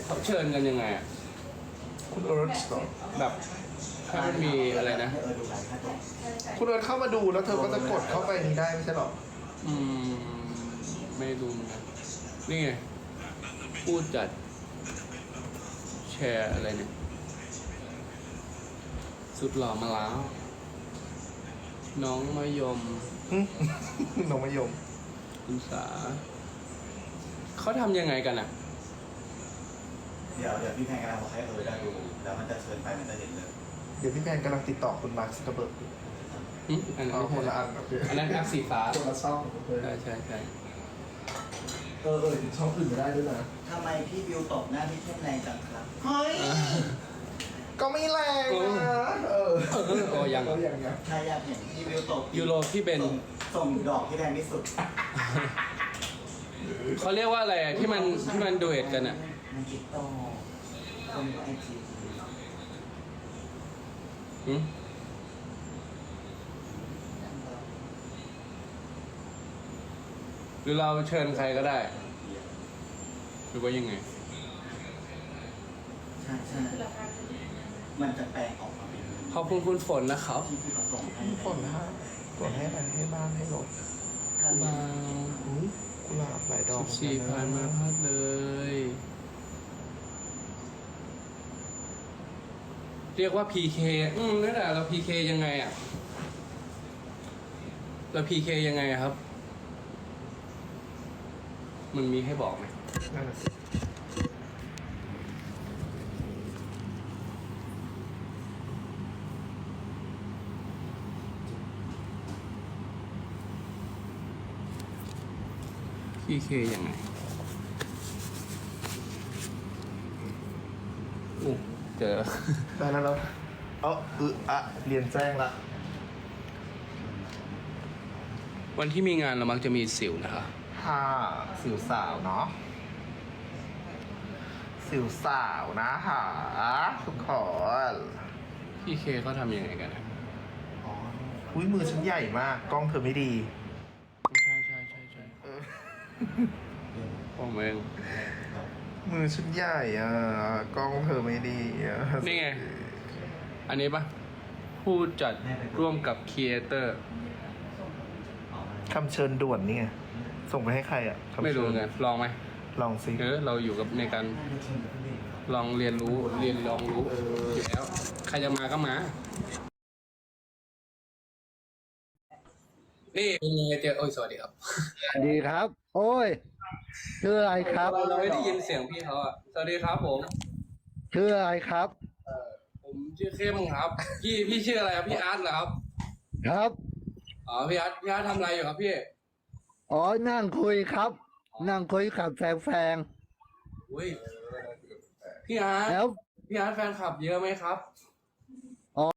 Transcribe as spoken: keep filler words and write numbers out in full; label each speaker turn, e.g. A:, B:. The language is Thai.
A: เขาเชิญกันยังไงอ่ะ
B: คุณเอิร์ธเหรอ
A: แบบถ้ามันมีอะไรนะ
B: คุณเอิร์ธเข้ามาดูแล้วเธอก็จะกดเข้าไปนี้ได้ไม่ใช่หรอ
A: อืมไม่รู้เหมือนกันนี่ไงพูดจัดแชร์อะไรเนี่ยสุดหล่อมาแล้ว น้องมะยม
B: หึ น้องมะยม
A: คุณสาเขาทำยังไงกันอ่ะ
C: เดี๋ยวเดี๋ยวพี่แพงกำลังบอกให้เออได้ดูแล้วมันจะเชิญไปมันจะเห็นเลย
B: เดี๋ยวพี่แพนกำลังติดต่อคุณมาร์คซักเคอร์เบิร์กอยู่
A: อืมอันนั้น
B: เอา
A: ไม่
B: คน
A: ใช่
B: ละอันโอเค
A: อันนั้นแอปสีฟ้า
B: คนละช่องโอเค
A: ใช่ใช่ใช่
B: เออเออถึงช่องอื่นไม่ได้ด้วยนะ
C: ทำไมพี่บิวตบหน้าพี่เข้มแรงจังครับ
B: เฮ้ย ก็ไม่แรงนะเออ
A: โอ้ยัง
B: ก็ยังยัง
C: ถ้าอยากเห็นพี่บิวตบ
A: ยูโรพี่เบน
C: ส่งส่งดอกที่แพงที่สุด
A: เขาเรียกว่าอะไรอะที่มันที่มันดูเอทกันอ่ะ
C: มันติดต่อคนไอจี
A: หืมหรือเราเชิญใครก็ได้ หรือว่ายังไง
C: ใช่ใช่มันจะแปลงออกมาเป็น
A: ขอบคุณคุณฝนนะครับ
C: ที่พี่เขาส่งให้
B: ฝนฮะฝนให้มันให้บ้านให้รถ
C: ถ้า
A: มา
B: อุ้ยกุหลาบหลายดอก
A: สี่พันมาพัดเลย เรียกว่า พี เค อืมนั่นแหละเรา พี เค ยังไงอ่ะ เรา พี เค ยังไงอะครับ มันมีให้บอกไหม
B: นั่นน่ะสิ
A: พี เค ยังไงอู้เจอ
B: ได้แล้วแล้วเออเอออะเรียนแจ้งละ
A: วันที่มีงานเรามักจะมีสิวนะคะ
B: ค่ะสิวสาวเนาะสิวสาวนะหาทุกคน
A: พี เคเขาทำยังไงกันอะ
B: อ๋ออุ้ยมือฉันใหญ่มากกล้องเธอไม่ดี
A: ใช่ใช่ใช่ใช่
B: เออ
A: ผมเอง
B: มือฉันใหญ่อ่ะกล้องเธอไม่ดีอ่ะ
A: นี่ไง อันนี้ปะผู้จัดร่วมกับครีเอเตอร์
B: คำเชิญด่วนนี่ไงส่งไปให้ใครอ่ะคำ
A: ไม่
B: เชิ
A: รู้
B: ญ
A: ไงลองไหม
B: ลองสิ
A: เออเราอยู่กับในการลองเรียนรู้เรียนลองรู้อยู่แล้ว ใครจะมาก็มา นี่เป็นไงเจอโอ้ยสวัสดีครับ
D: ดีครับ โอ้ย ชื่ออะไรครับ
A: เราไม่ได้ยินเสียงพี่เขาอ่ะสวัสดีครับผม
D: ชื่ออะไรครับ
A: ผมชื่อเข้มครับ พี่พี่ชื่ออะไรครับพี่อาร์ตเหรอครับ
D: ครับ
A: อ๋อพี่อาร์ตพี่อาร์ตทำอะไรอยู่ครับพี่
D: อ๋อ นั่งคุยครับ นั่งคุยกับแฟงแฟง
A: อุ้ยพี่อาร์ต
D: แล้ว
A: พี่อาร์ตแฟนคลับเยอะไหมครับ